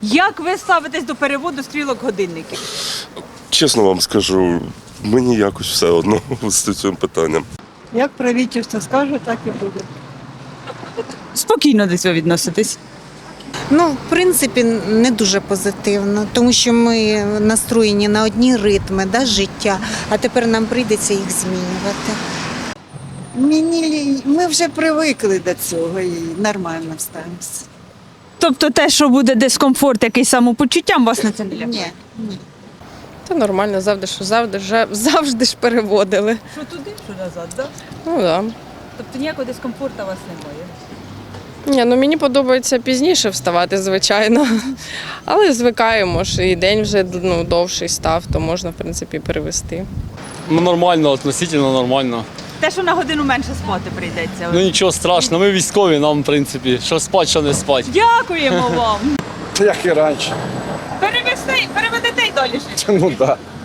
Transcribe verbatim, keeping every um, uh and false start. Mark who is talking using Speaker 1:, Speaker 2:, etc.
Speaker 1: Як ви ставитесь до переводу стрілок годинників?
Speaker 2: Чесно вам скажу, мені якось все одно з цим питанням.
Speaker 3: Як правительство скаже, так і буде.
Speaker 1: Спокійно до цього відноситесь.
Speaker 4: Ну, в принципі, не дуже позитивно, тому що ми настроєні на одні ритми да, життя, а тепер нам прийдеться їх змінювати.
Speaker 3: Мені, ми вже привикли до цього і нормально ставимося.
Speaker 1: Тобто те, що буде дискомфорт, якийсь самопочуттям, вас на це не лякає?
Speaker 3: Ні.
Speaker 5: Та нормально, завжди, що завжди, вже, завжди ж переводили.
Speaker 1: Що туди, що назад, так?
Speaker 5: Ну так. Да.
Speaker 1: Тобто ніякого дискомфорту у вас немає?
Speaker 5: Ні, ну мені подобається пізніше вставати, звичайно. Але звикаємо ж, і день вже ну, довший став, то можна, в принципі, перевести.
Speaker 6: Ну нормально, относительно нормально.
Speaker 1: Те, що на годину менше спати прийдеться.
Speaker 6: Ну нічого страшного, ми військові, нам в принципі, що спать, що не спать.
Speaker 1: Дякуємо вам.
Speaker 7: Як і раніше.
Speaker 1: Перевести, переведете й далі жити.
Speaker 7: Ну так. Да.